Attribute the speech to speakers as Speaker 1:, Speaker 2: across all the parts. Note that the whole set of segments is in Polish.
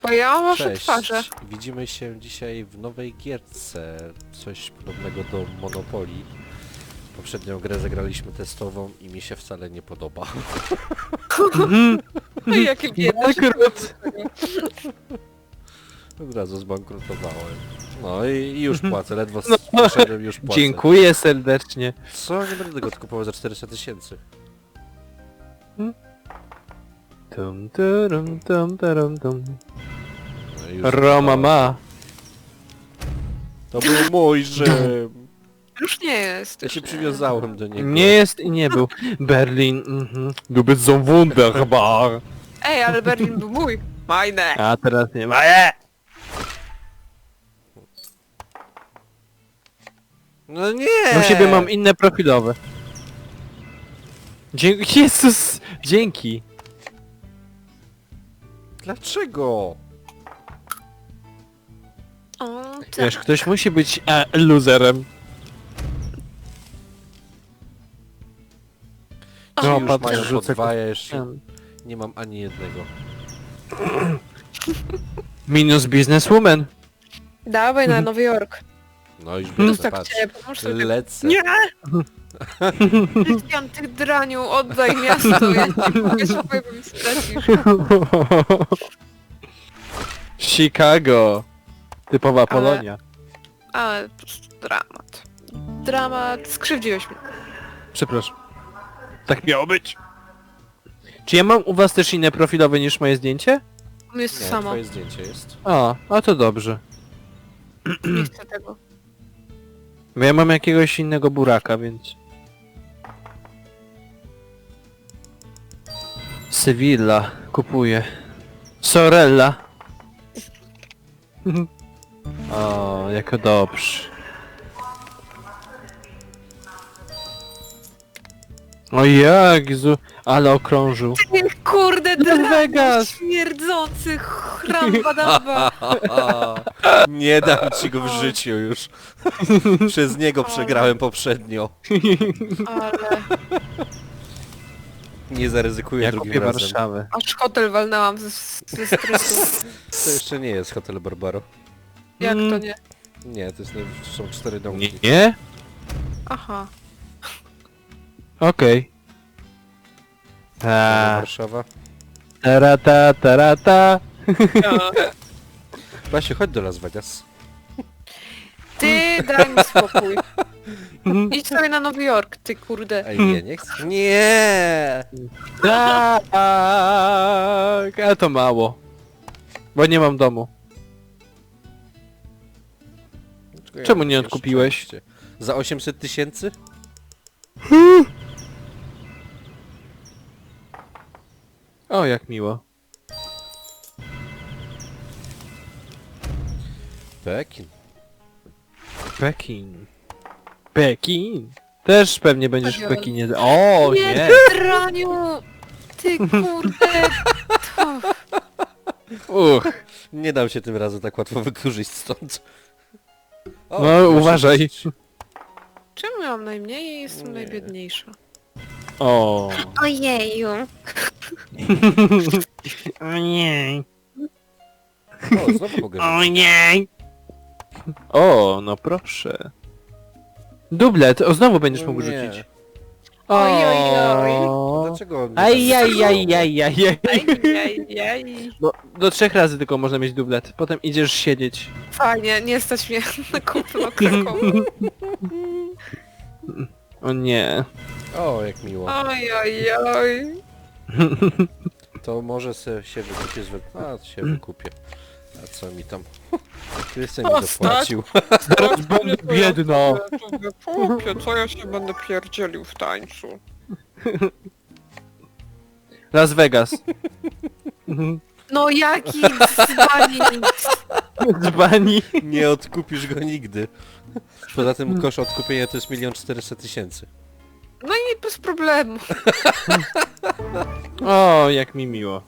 Speaker 1: Bo ja mam wasze
Speaker 2: Cześć,
Speaker 1: twarze.
Speaker 2: widzimy się dzisiaj w nowej gierce, coś podobnego do Monopoly. Poprzednią grę zagraliśmy testową i mi się wcale nie podoba.
Speaker 1: No i jakie biedne.
Speaker 3: Akurat.
Speaker 2: Od razu zbankrutowałem. No i już płacę, ledwo
Speaker 3: No,
Speaker 2: poszedłem, już płacę.
Speaker 3: Dziękuję serdecznie.
Speaker 2: Co? Nie będę tego kupował za 400 000.
Speaker 3: Tum, turum, tum, turum, tum.
Speaker 2: No i już
Speaker 3: Roma ma.
Speaker 2: To był mój Rzym.
Speaker 1: Już nie jest.
Speaker 2: Ja się przywiązałem do niego.
Speaker 3: Nie jest i nie był. Berlin, Du bist so wunderbar.
Speaker 1: Ej, ale Berlin był mój. Majne.
Speaker 3: A teraz nie ma.
Speaker 2: No nie!
Speaker 3: U siebie mam inne profilowe. Dzięki. Jezus! Dzięki.
Speaker 2: Dlaczego?
Speaker 1: O, tak.
Speaker 3: Wiesz, ktoś musi być loserem.
Speaker 2: Ci
Speaker 3: No,
Speaker 2: już
Speaker 3: patrz,
Speaker 2: mają po
Speaker 3: rzucę
Speaker 2: dwa, ja jeszcze nie mam ani jednego.
Speaker 3: Minus businesswoman.
Speaker 1: Dawaj na Nowy Jork.
Speaker 2: No już
Speaker 1: Już
Speaker 2: będę,
Speaker 1: tak
Speaker 2: patrz.
Speaker 1: chciałem, pomóż sobie.
Speaker 2: Lecę.
Speaker 1: Nie! Krystian, ty draniu, oddaj miasto, ja nie mogę sobie, bo mi stracisz.
Speaker 3: Chicago. Typowa Polonia.
Speaker 1: Ale po prostu dramat. Dramat, skrzywdziłeś mnie.
Speaker 3: Przepraszam. Tak miało być. Czy ja mam u was też inne profilowe niż moje zdjęcie?
Speaker 1: Jest to
Speaker 2: Nie,
Speaker 1: samo,
Speaker 2: twoje zdjęcie jest.
Speaker 3: A to dobrze.
Speaker 1: nie chcę tego.
Speaker 3: Bo ja mam jakiegoś innego buraka, więc... Sevilla kupuję. Sorella. O, jako dobrze. O Jezu, ale okrążył.
Speaker 1: Ty kurde draniu,
Speaker 3: Vegas.
Speaker 1: śmierdzący chramba damba.
Speaker 2: Nie dam ci go w życiu już. Przez niego przegrałem poprzednio.
Speaker 1: Ale
Speaker 2: Nie zaryzykuję
Speaker 3: Ja
Speaker 2: drugim
Speaker 3: kupię
Speaker 2: razem.
Speaker 3: Warszawę.
Speaker 1: aż hotel walnęłam ze stresu.
Speaker 2: To jeszcze nie jest Hotel Barbaro.
Speaker 1: Jak to nie?
Speaker 2: Nie, to są 4 domki.
Speaker 3: Nie?
Speaker 1: Aha.
Speaker 3: Okej.
Speaker 2: Warszawa.
Speaker 3: Tarata, tarata.
Speaker 2: Basiu, chodź do Las Vegas.
Speaker 1: Ty daj mi spokój. Idź sobie na Nowy Jork, ty kurde.
Speaker 2: Ej, nie chcę. Nie!
Speaker 3: Tak, a to mało. Bo nie mam domu. Czemu nie odkupiłeś?
Speaker 2: Szczęście. Za 800 000?
Speaker 3: O, jak miło.
Speaker 2: Pekin.
Speaker 3: Pekin. Pekin. Też pewnie będziesz w
Speaker 1: Pekin.
Speaker 3: Pekinie. O,
Speaker 1: Nie,
Speaker 3: nie.
Speaker 1: draniu! Ty kurde!
Speaker 3: Uch.
Speaker 2: Nie dam się tym razem tak łatwo wykurzyć stąd. O,
Speaker 3: No,
Speaker 2: proszę.
Speaker 3: uważaj.
Speaker 1: Czemu ja mam najmniej i jestem
Speaker 2: Nie.
Speaker 1: najbiedniejsza?
Speaker 3: O.
Speaker 1: Ojeju.
Speaker 3: O nie.
Speaker 2: O, znowu mogę
Speaker 3: O
Speaker 2: rzucić.
Speaker 3: nie. O, no proszę. Dublet, o znowu będziesz
Speaker 2: No
Speaker 3: mógł
Speaker 2: nie.
Speaker 3: rzucić.
Speaker 1: Oj, oj, oj.
Speaker 2: Dlaczego on mnie
Speaker 3: Ajajajajajaj.
Speaker 1: Ajajaj.
Speaker 3: No, do 3 razy tylko można mieć dublet. Potem idziesz siedzieć.
Speaker 1: Fajnie, nie stać mnie na kupno Krakowu.
Speaker 3: O nie.
Speaker 2: O, jak miło.
Speaker 1: Oj, oj, oj.
Speaker 2: To może się wykupię A, się wykupię. A co mi tam? Krystian mi
Speaker 1: O,
Speaker 2: zapłacił.
Speaker 3: Teraz będę biedna.
Speaker 1: Kupie, co ja się będę pierdzielił w tańcu?
Speaker 3: Las Vegas.
Speaker 1: No jaki dzbani.
Speaker 3: Dzbani.
Speaker 2: Nie odkupisz go nigdy. Poza tym koszt odkupienia to jest 1 400 000.
Speaker 1: No i bez problemu.
Speaker 3: O, jak mi miło.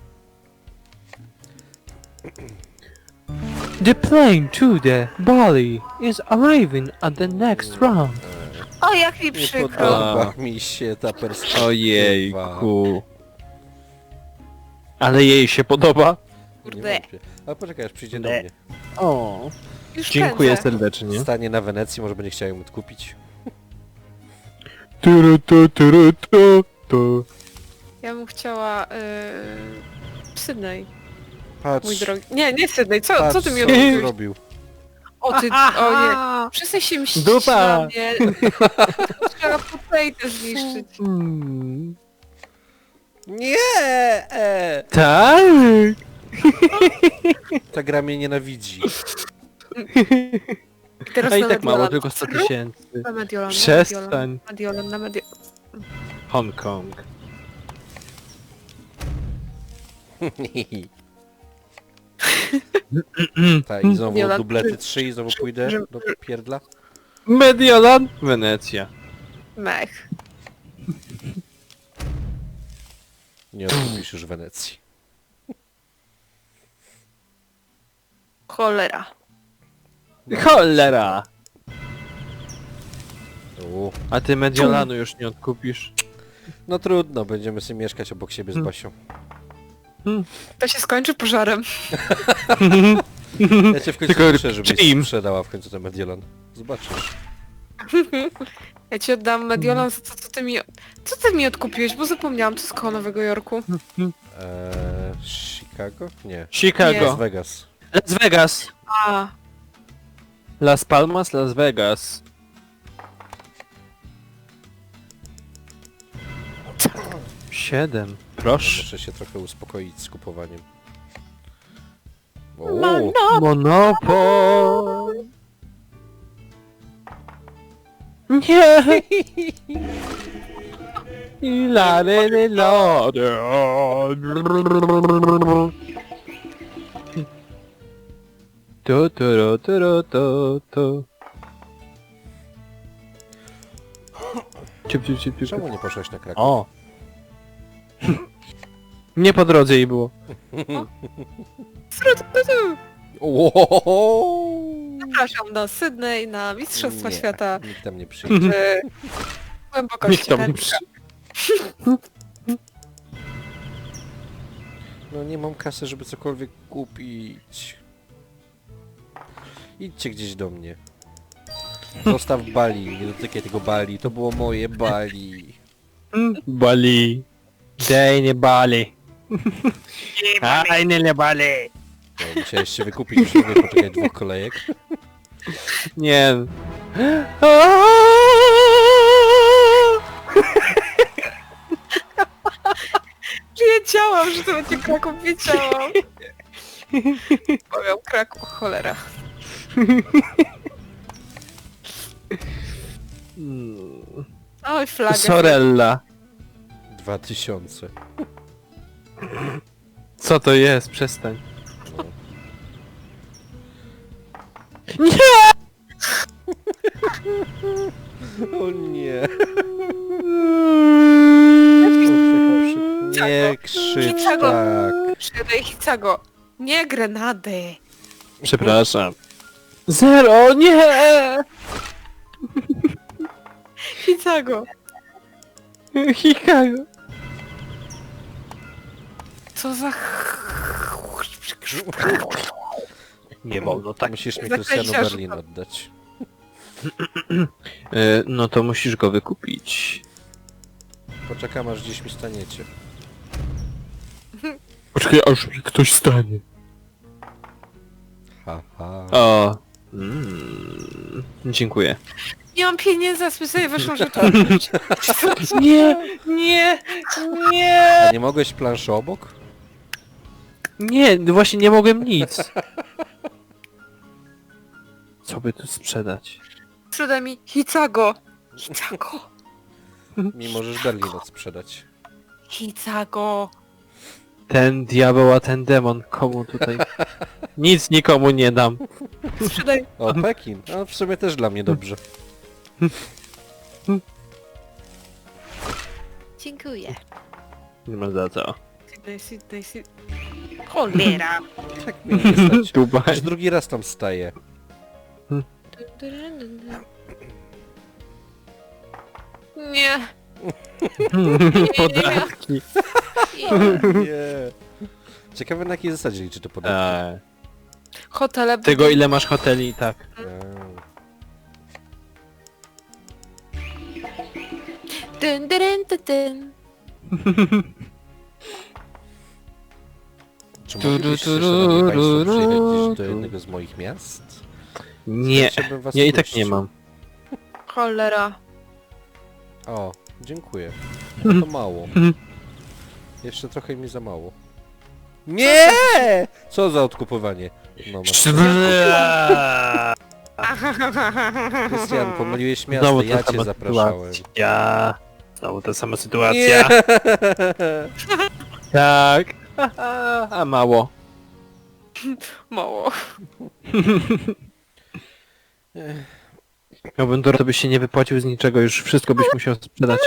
Speaker 3: The plane to the Bali is arriving at the next round.
Speaker 1: O, jak mi
Speaker 2: Nie
Speaker 1: przykro.
Speaker 2: podoba mi się ta perspektywa.
Speaker 3: Ojejku. Ale jej się podoba.
Speaker 1: Kurde.
Speaker 2: wątpię. Ale poczekaj, aż przyjdzie do
Speaker 3: Nie.
Speaker 2: mnie.
Speaker 3: O,
Speaker 1: Już
Speaker 3: dziękuję
Speaker 1: pędzę.
Speaker 3: serdecznie.
Speaker 2: Stanie na Wenecji, może będzie chciał ją odkupić.
Speaker 3: Tu.
Speaker 1: Ja bym chciała... Sydney,
Speaker 2: Patrz,
Speaker 1: mój drogi. Nie Sydney, co
Speaker 2: patrz,
Speaker 1: ty mi
Speaker 2: co on
Speaker 1: odmówiłeś?
Speaker 2: zrobił.
Speaker 1: O ty, o nie. Przestań się mścić
Speaker 3: Dupa.
Speaker 1: na mnie. Trzeba potejtę zniszczyć.
Speaker 3: Hmm.
Speaker 2: Nie!
Speaker 3: Tak!
Speaker 2: Ta gra mnie nienawidzi.
Speaker 1: I teraz
Speaker 3: A i
Speaker 1: na
Speaker 3: tak mało,
Speaker 1: Mediolan.
Speaker 3: tylko 100 000.
Speaker 1: Na Mediolan,
Speaker 3: Przestań.
Speaker 1: na Mediolan.
Speaker 3: Hongkong.
Speaker 2: Tak, i znowu
Speaker 1: Mediolan.
Speaker 2: dublety 3 i znowu pójdę do pierdla.
Speaker 3: Mediolan, Wenecja.
Speaker 1: Mech.
Speaker 2: Nie odkupisz już Wenecji.
Speaker 1: Cholera.
Speaker 3: Cholera!
Speaker 2: U.
Speaker 3: A ty Mediolanu już nie odkupisz.
Speaker 2: No trudno, będziemy sobie mieszkać obok siebie z Basią.
Speaker 1: To się skończy pożarem.
Speaker 2: Ja cię w końcu
Speaker 3: Tylko
Speaker 2: proszę, żebyś
Speaker 3: czyim?
Speaker 2: sprzedała w końcu ten Mediolan. Zobaczysz.
Speaker 1: Ja ci oddam Mediolan, co ty mi odkupiłeś, bo zapomniałam, co z koło Nowego Jorku.
Speaker 2: Chicago? Nie.
Speaker 3: Chicago.
Speaker 2: Las Vegas.
Speaker 3: Las Vegas.
Speaker 1: A,
Speaker 3: Las Palmas, Las Vegas. Siedem. Proszę.
Speaker 2: Muszę się trochę uspokoić z kupowaniem.
Speaker 3: Monopol. Nie. La le le la. Tu. Ciup.
Speaker 2: Czemu nie poszłaś na Kraków?
Speaker 3: O. Nie po drodze jej było.
Speaker 1: Zapraszam do Sydney na Mistrzostwa
Speaker 2: Nie,
Speaker 1: Świata
Speaker 2: Nikt tam nie przyjdzie.
Speaker 1: w głębokości
Speaker 3: Nikt tam nie
Speaker 1: ręki.
Speaker 2: No nie mam kasy, żeby cokolwiek kupić. Idźcie gdzieś do mnie. Zostaw Bali, nie dotykaj tego Bali. To było moje Bali.
Speaker 3: Bali. Daj nie bali. Aj nie bali.
Speaker 2: No, musiałeś się wykupić, już nie mogę poczekać 2 kolejek.
Speaker 3: Nie.
Speaker 1: Wiedziałam, że to będzie Kraków, wiedziałam. Powiem Kraków, cholera. Oj, flagę.
Speaker 3: Sorella.
Speaker 2: 2000.
Speaker 3: Co to jest? Przestań.
Speaker 2: No. O nie. Nie krzycz tak.
Speaker 1: Przydaj Hicago. Nie grenady.
Speaker 3: Przepraszam. Zero, nie!
Speaker 1: Hicago.
Speaker 3: Chicago.
Speaker 1: Co za...
Speaker 3: Nie wolno tak.
Speaker 2: Musisz mi
Speaker 1: Zakreślasz
Speaker 2: Krystianu Berlin
Speaker 1: to.
Speaker 2: oddać.
Speaker 3: No to musisz go wykupić.
Speaker 2: Poczekam aż gdzieś mi staniecie.
Speaker 3: Poczekaj, aż mi ktoś stanie.
Speaker 2: Haha.
Speaker 3: O. Dziękuję.
Speaker 1: Nie mam pieniędzy, a sobie weszłam, że to... Nie.
Speaker 2: A nie mogłeś planszy obok?
Speaker 3: Nie, właśnie nie mogłem nic. Co by tu sprzedać?
Speaker 1: Sprzedaj mi Hicago. Hicago.
Speaker 2: Mi możesz Berlin odsprzedać.
Speaker 1: Hicago.
Speaker 3: Ten diabeł, a ten demon. Komu tutaj? Nic nikomu nie dam.
Speaker 1: Sprzedaj.
Speaker 2: O, Pekin. A w sumie też dla mnie dobrze.
Speaker 1: Dziękuję.
Speaker 3: Nie ma za co.
Speaker 1: Sydney. Cholera.
Speaker 2: Tak mnie nie stać.
Speaker 3: Dubaj.
Speaker 2: Już drugi raz tam staję.
Speaker 1: Nie.
Speaker 3: Podatki.
Speaker 2: Nie. Ciekawe na jakiej zasadzie liczy to podatki.
Speaker 1: Hotele...
Speaker 3: Tego ile masz hoteli, tak.
Speaker 1: Dyn, dyn, dyn, dyn.
Speaker 2: Czy moglibyście, szanowni państwo, przyjechać do jednego z moich miast?
Speaker 3: Nie,
Speaker 2: Chciałbym was
Speaker 3: ja i tak
Speaker 2: ugościć.
Speaker 3: nie mam.
Speaker 1: Cholera.
Speaker 2: O, dziękuję. No to mało. Jeszcze trochę mi za mało. Nie! Co za odkupowanie? No, masz... Krystian, pomyliłeś miasto,
Speaker 3: Znowu
Speaker 2: ja
Speaker 3: ta
Speaker 2: cię
Speaker 3: sama
Speaker 2: zapraszałem.
Speaker 3: sytuacja. Znowu ta sama
Speaker 2: Nie!
Speaker 3: sytuacja. Tak. A mało.
Speaker 1: Mało.
Speaker 3: Miałbym to byś się nie wypłacił z niczego, już wszystko byś musiał sprzedać.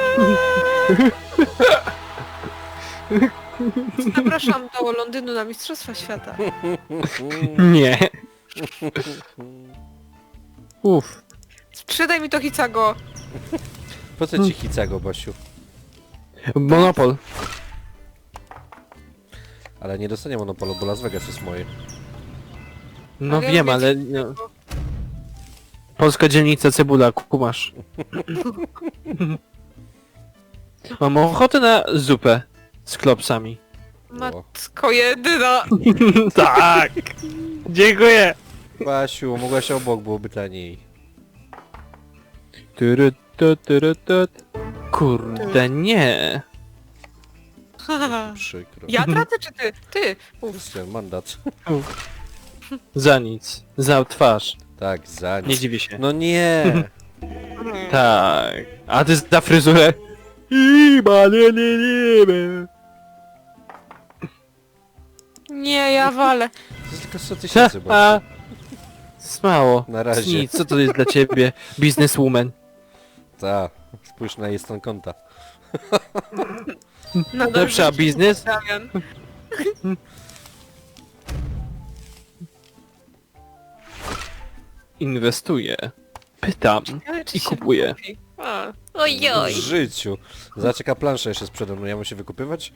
Speaker 1: Zapraszam do Londynu na Mistrzostwa Świata.
Speaker 3: Nie. Uff.
Speaker 1: Sprzedaj mi to Hicago.
Speaker 2: Po co ci Hicago, Basiu?
Speaker 3: Monopol.
Speaker 2: Ale nie dostanie monopolu, bo Las Vegas jest moje.
Speaker 3: No
Speaker 1: Ale ja
Speaker 3: wiem,
Speaker 1: lubię
Speaker 3: ale... No. Polska dzielnica cebula, kumasz. Mam ochotę na zupę z klopsami.
Speaker 1: Matko jedyna.
Speaker 3: Tak! Dziękuję!
Speaker 2: Basiu, mogłaś obok, byłoby taniej.
Speaker 3: Kurde, nie.
Speaker 2: Przykro.
Speaker 1: Ja tracę czy ty? Ty. Uf.
Speaker 2: Krystian, mandat.
Speaker 3: Za nic. Za twarz.
Speaker 2: Tak, za nic.
Speaker 3: Nie dziwię się.
Speaker 2: No nie!
Speaker 3: Tak. A ty za fryzurę?
Speaker 1: Nie, ja walę.
Speaker 2: To jest tylko 100 tysięcy,
Speaker 3: A,
Speaker 2: Basiu.
Speaker 3: smało.
Speaker 2: Na razie.
Speaker 3: Nic, co to jest dla ciebie? Businesswoman.
Speaker 2: Ta, spójrz na jej stan konta.
Speaker 3: Lepsza biznes?
Speaker 1: Damian.
Speaker 3: Inwestuję. Pytam.
Speaker 1: Ale czy
Speaker 3: I
Speaker 1: się
Speaker 3: kupuję.
Speaker 1: kupi? A. Ojoj.
Speaker 2: W życiu. Zobacz jaka plansza jeszcze sprzeda mną, ja mam się wykupywać?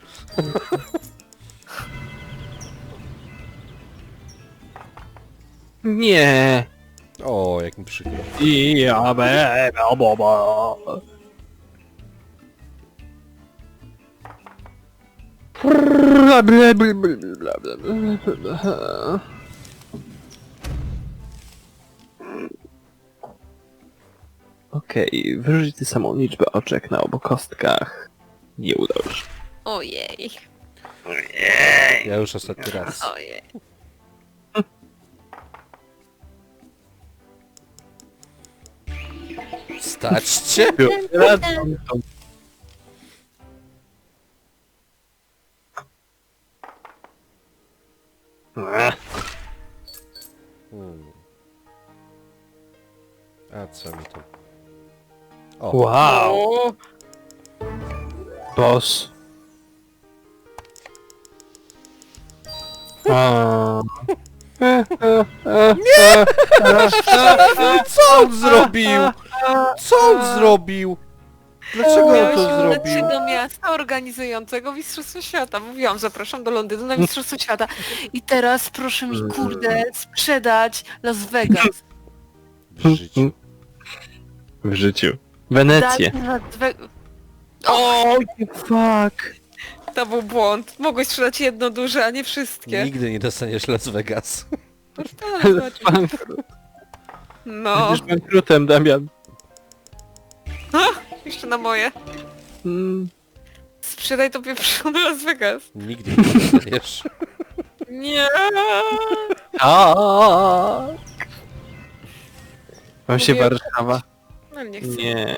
Speaker 3: Nie.
Speaker 2: O, jak mi przykro.
Speaker 3: Ja boba. Okej, wyrzuć tę samą liczbę oczek na obu kostkach. Nie udało się.
Speaker 1: Ojej.
Speaker 2: Ja już ostatni raz.
Speaker 1: Ojej.
Speaker 2: Stać cię? Hmm. A co mi to? O,
Speaker 3: Wow,
Speaker 1: O,
Speaker 3: boss. A.
Speaker 2: co on zrobił? Co on zrobił? Dlaczego on
Speaker 1: miałeś
Speaker 2: to
Speaker 1: udać się
Speaker 2: zrobił?
Speaker 1: do miasta organizującego Mistrzostwo Świata. Mówiłam, zapraszam do Londynu na Mistrzostwo Świata. I teraz proszę mi, kurde, sprzedać Las Vegas.
Speaker 2: W życiu.
Speaker 3: W życiu. Wenecję.
Speaker 1: Daj mi Las Vegas.
Speaker 3: O, fuck.
Speaker 1: To był błąd. Mogłeś sprzedać jedno duże, a nie wszystkie.
Speaker 2: Nigdy nie dostaniesz Las Vegas.
Speaker 1: No,
Speaker 3: Będziesz bankrutem, Damian.
Speaker 1: jeszcze na moje.
Speaker 3: Mm.
Speaker 1: Sprzedaj to pieprzone Las Vegas.
Speaker 2: Nigdy nie dostaniesz.
Speaker 1: Nie.
Speaker 3: Tak. Mam się
Speaker 1: Mówię-
Speaker 3: Warszawa.
Speaker 1: No nie chcę.
Speaker 3: Nie.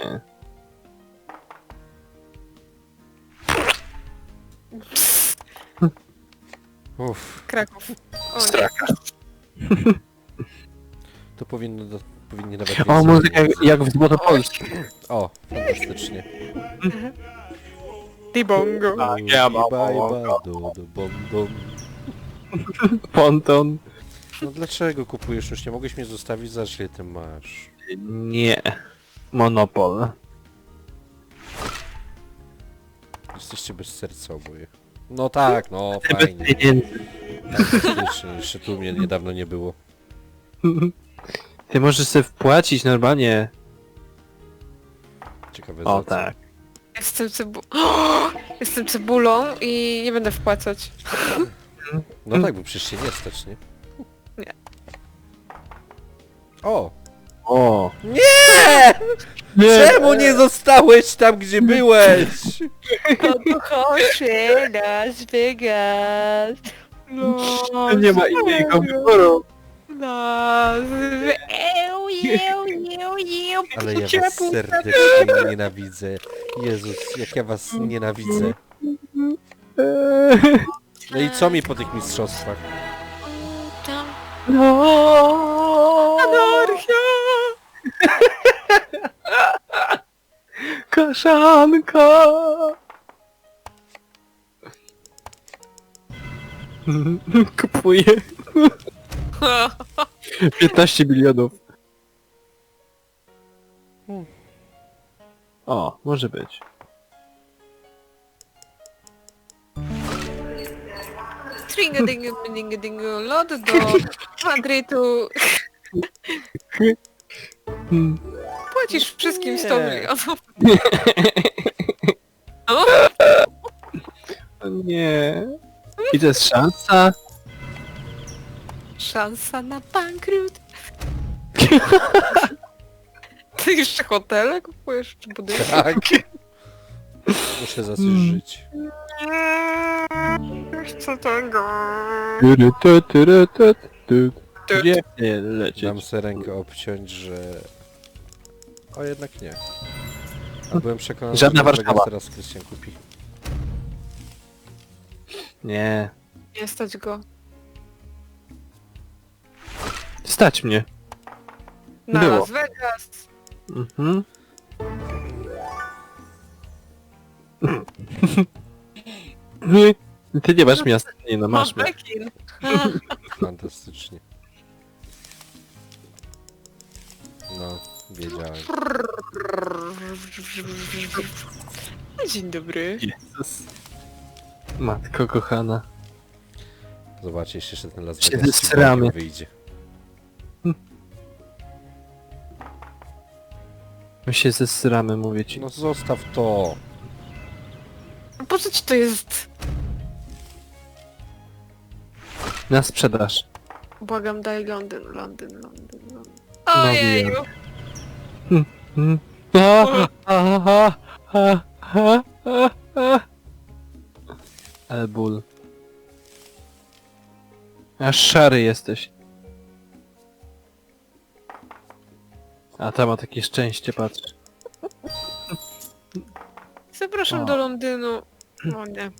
Speaker 2: Uff,
Speaker 1: Kraków. O nie.
Speaker 3: Straka.
Speaker 2: to powinni nawet...
Speaker 3: O,
Speaker 2: mieć
Speaker 3: muzyka
Speaker 2: zrobić.
Speaker 3: jak w Złotopolsce.
Speaker 2: O, fantastycznie.
Speaker 1: Dibongo.
Speaker 3: ja mam-
Speaker 2: Bom, bom.
Speaker 3: Ponton.
Speaker 2: No dlaczego kupujesz? Już nie mogłeś mnie zostawić, za ile ty masz.
Speaker 3: Nie. Monopol.
Speaker 2: Jesteście bez serca oboje. No tak, no
Speaker 3: Bez
Speaker 2: fajnie.
Speaker 3: pieniędzy.
Speaker 2: Tak, faktycznie, jeszcze tu mnie niedawno nie było.
Speaker 3: Ty możesz sobie wpłacić normalnie.
Speaker 2: Ciekawe
Speaker 3: O
Speaker 2: za co.
Speaker 3: tak.
Speaker 1: Jestem cebulą i nie będę wpłacać.
Speaker 2: No tak, bo przecież się nie stać, nie?
Speaker 1: Nie.
Speaker 2: O!
Speaker 3: O.
Speaker 2: Nie! Czemu nie zostałeś tam, gdzie byłeś?
Speaker 1: Pokochamy Las Vegas.
Speaker 3: Nie ma innego wyboru.
Speaker 2: Ale ja was serdecznie nienawidzę. Jezus, jak ja was nienawidzę. No i co mi po tych mistrzostwach?
Speaker 1: Tam
Speaker 3: No.
Speaker 1: anarchia!
Speaker 3: Kaszanka. Kupuję. 15 milionów. O, może być.
Speaker 1: Tringa-dinga-dinga-dinga, lot do Madrytu.
Speaker 3: Hmm.
Speaker 1: Płacisz wszystkim 100
Speaker 2: Nie.
Speaker 1: milionów. O,
Speaker 3: O nie. I to jest szansa?
Speaker 1: szansa na bankrut. Ty jeszcze hotele kupujesz, czy budynki?
Speaker 2: Tak. Muszę za coś żyć.
Speaker 1: Co tego?
Speaker 3: Gdzie nie lecieć?
Speaker 2: Dam sobie rękę obciąć, że... O, jednak nie. A byłem przekonany,
Speaker 3: Żadna
Speaker 2: że
Speaker 3: Warszawa.
Speaker 2: Vegas teraz Krystian kupi.
Speaker 3: Nie.
Speaker 1: Nie stać go.
Speaker 3: Stać mnie.
Speaker 1: Na
Speaker 3: Było.
Speaker 1: Las Vegas.
Speaker 3: Mhm. Ty nie masz miasta, nie no masz miasta.
Speaker 1: Pekin.
Speaker 2: Fantastycznie. No, wiedziałem.
Speaker 1: Dzień dobry.
Speaker 3: Jezus. Matko kochana.
Speaker 2: Zobaczcie, jeszcze ten Las
Speaker 3: Się
Speaker 2: Vegas
Speaker 3: zesramy.
Speaker 2: ci wyjdzie.
Speaker 3: My się zesramy, mówię ci.
Speaker 2: No zostaw to.
Speaker 1: Po co ci to jest?
Speaker 3: Na sprzedaż.
Speaker 1: Błagam, daj Londyn, Londyn, Londyn, Londyn.
Speaker 3: No
Speaker 1: Ojeju!
Speaker 3: Mm. Ale ból. Aż szary jesteś. A tam ma takie szczęście, patrz.
Speaker 1: Zapraszam
Speaker 3: O.
Speaker 1: do Londynu. O nie.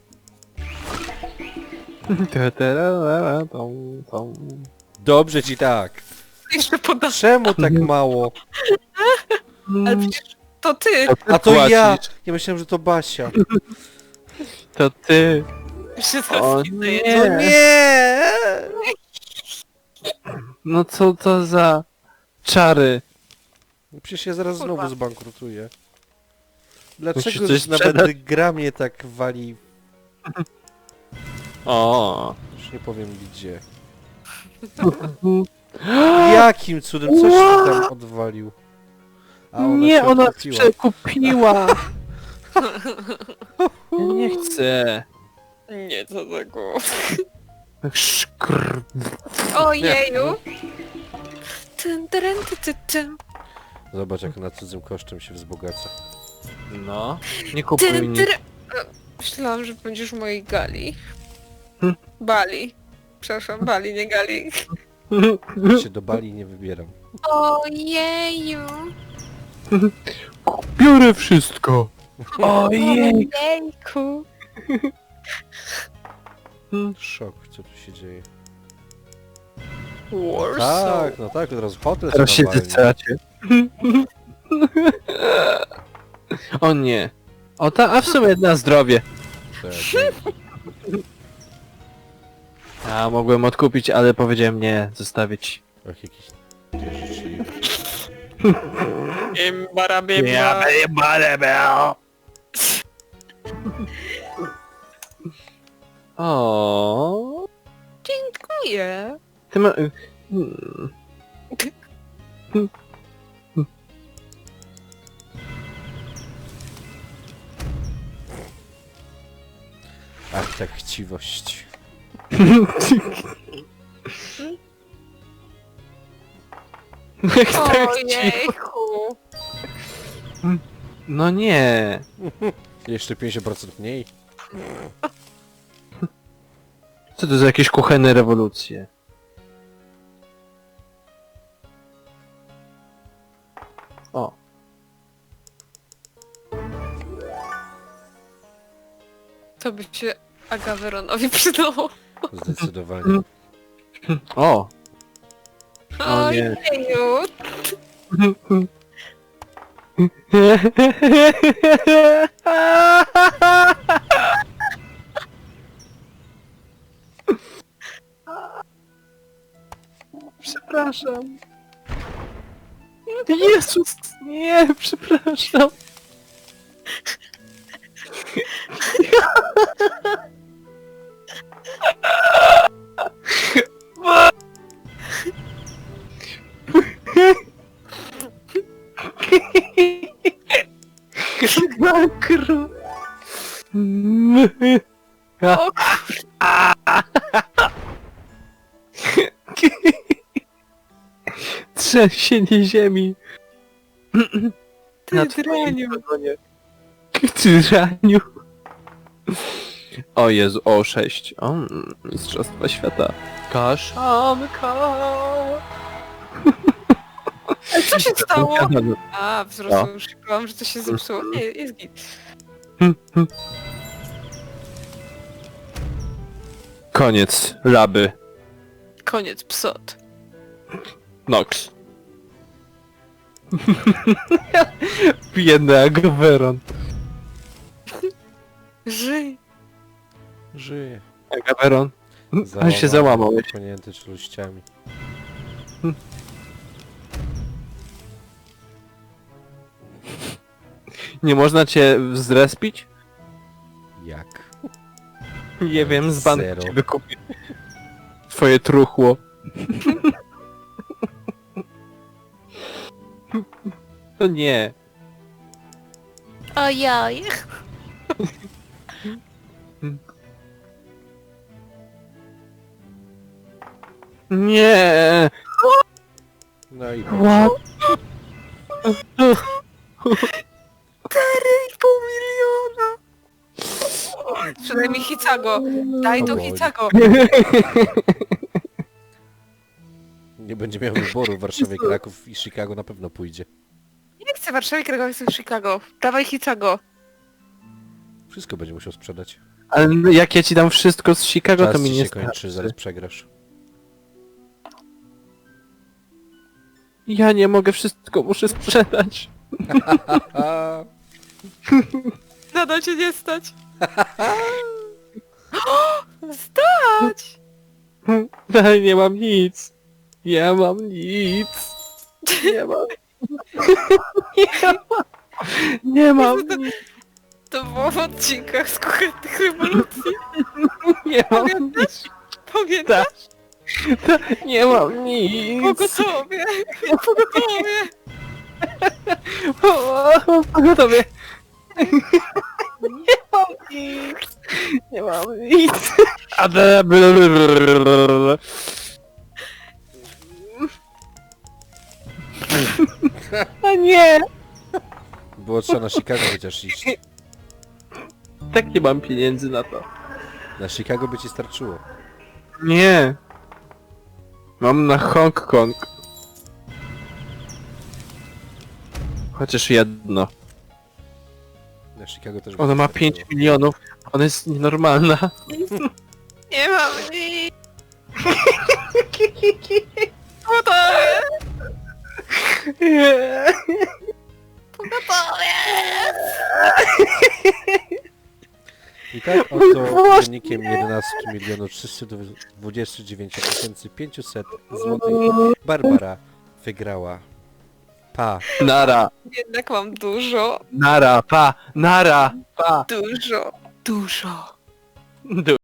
Speaker 2: Dobrze ci tak.
Speaker 1: Jeszcze podasz.
Speaker 2: Czemu tak mało?
Speaker 1: Ale przecież to ty.
Speaker 2: A to
Speaker 3: płacisz.
Speaker 2: ja! Ja myślałem, że to Basia.
Speaker 3: To ty.
Speaker 1: Się
Speaker 3: O
Speaker 1: zaraz
Speaker 3: nie.
Speaker 2: To nie!
Speaker 3: No co to za czary?
Speaker 2: Przecież ja zaraz
Speaker 1: Kurwa.
Speaker 2: znowu zbankrutuję.
Speaker 3: Musisz
Speaker 2: Dlaczego
Speaker 3: coś
Speaker 2: nawet
Speaker 3: sprzedać.
Speaker 2: gra mnie tak wali?
Speaker 3: O.
Speaker 2: Już nie powiem gdzie. Jakim cudem coś ty tam odwalił? A ona
Speaker 3: Nie,
Speaker 2: się
Speaker 3: ona
Speaker 2: odkupiła.
Speaker 3: przekupiła. Ja nie chcę.
Speaker 1: Nie, co tego.
Speaker 3: Szkr.
Speaker 1: Ojeju. Tyn, tyn, tyn, tyn, tyn.
Speaker 2: Zobacz jak na cudzym kosztem się wzbogaca.
Speaker 3: No. Nie kupuj
Speaker 1: Tyn,
Speaker 3: nic.
Speaker 1: tyn. Myślałam, że będziesz w mojej gali.
Speaker 3: Hm.
Speaker 1: Bali. Przepraszam, Bali, nie gali.
Speaker 2: Ja się do Bali nie wybieram.
Speaker 1: Ojeju.
Speaker 3: Biorę wszystko. Ojej.
Speaker 1: Ojejku.
Speaker 2: Szok, co tu się dzieje?
Speaker 1: Warsaw.
Speaker 2: Tak, no tak, od razu hotel
Speaker 3: Teraz się
Speaker 2: nawalni.
Speaker 3: zesracie. O nie. O ta, a w sumie na zdrowie.
Speaker 2: To ja wiem.
Speaker 3: Ja mogłem odkupić, ale powiedziałem nie, zostawić.
Speaker 2: Ach, jakieś dwie rzeczy.
Speaker 1: Bimba, bimba.
Speaker 3: O.
Speaker 1: Dziękuję.
Speaker 3: Ty ma...
Speaker 2: Ach, tak chciwość.
Speaker 3: Jak tak ci...
Speaker 1: Ojejku.
Speaker 3: No nie.
Speaker 2: Jeszcze 50% mniej.
Speaker 3: Co to za jakieś kuchenne rewolucje? O.
Speaker 1: To by się Agaveronowi przydało.
Speaker 2: Zdecydowanie.
Speaker 3: O. O nie.
Speaker 1: Ojeju.
Speaker 3: Przepraszam. Jezus, nie, przepraszam. Makro.
Speaker 1: O
Speaker 3: Trzęsienie ziemi.
Speaker 1: ty
Speaker 3: Na twoim
Speaker 1: draniu.
Speaker 3: wagonie. Ty draniu. O Jezu, o 6. O, Mistrzostwa Świata. Kaszanka.
Speaker 1: Ale co się stało?
Speaker 3: No.
Speaker 1: A, wzrosło już. Szukałam, że to się zepsuło. Nie, jest git.
Speaker 3: Koniec. Laby.
Speaker 1: Koniec psot.
Speaker 3: Nox. Biedny Agaveron.
Speaker 1: Żyj.
Speaker 2: Żyje.
Speaker 3: Agaveron. Ale się załamał.
Speaker 2: Ponięty czeluściami.
Speaker 3: Nie można cię zrespić?
Speaker 2: Jak?
Speaker 3: Nie wiem, z banku
Speaker 2: Zero.
Speaker 3: cię wykupię. Twoje truchło. To nie.
Speaker 1: Ojej.
Speaker 3: Nie.
Speaker 2: No i
Speaker 3: What?
Speaker 1: 4,5 miliona. Przynajmniej Hicago. Daj to
Speaker 2: O Boże.
Speaker 1: Hicago.
Speaker 2: nie będzie miał wyboru w Warszawie, Kraków i Chicago na pewno pójdzie.
Speaker 1: Nie chcę Warszawy, Krakow, chcę Chicago. Dawaj Hicago.
Speaker 2: Wszystko będzie musiał sprzedać.
Speaker 3: Ale jak ja ci dam wszystko z Chicago,
Speaker 2: Czas
Speaker 3: to mi
Speaker 2: ci
Speaker 3: nie
Speaker 2: się kończy,
Speaker 3: starczy.
Speaker 2: zaraz przegrasz.
Speaker 3: Ja nie mogę wszystko, muszę sprzedać.
Speaker 2: A,
Speaker 1: Nadal cię nie stać. Stać!
Speaker 3: Ale nie mam nic. Nie mam nic. Nie mam. Nie mam. Nie mam nic.
Speaker 1: To było w odcinkach z kuchennych rewolucji.
Speaker 3: Nie mam nic.
Speaker 1: Pamiętasz? Pamiętasz?
Speaker 3: Nie mam nic.
Speaker 1: Pogotowie. Pogotowie.
Speaker 3: Pogotowie. Nie mam nic. Nie mam nic. A nie.
Speaker 2: było trzeba na Chicago chociaż iść.
Speaker 3: Tak nie mam pieniędzy na to.
Speaker 2: Na Chicago by ci starczyło.
Speaker 3: Nie. Mam na Hongkong. Chociaż jedno.
Speaker 2: Na Chicago też by
Speaker 3: Ona
Speaker 2: ci
Speaker 3: ma
Speaker 2: starczyło.
Speaker 3: 5 milionów. Ona jest nienormalna.
Speaker 1: Nie mam nic. Pogotowie. Pogotowie.
Speaker 2: I tak oto wynikiem 11 329 500 złotych Barbara wygrała. Pa!
Speaker 3: Nara.
Speaker 1: Jednak mam dużo.
Speaker 3: Nara. Pa. Nara. Pa.
Speaker 1: Dużo. Dużo.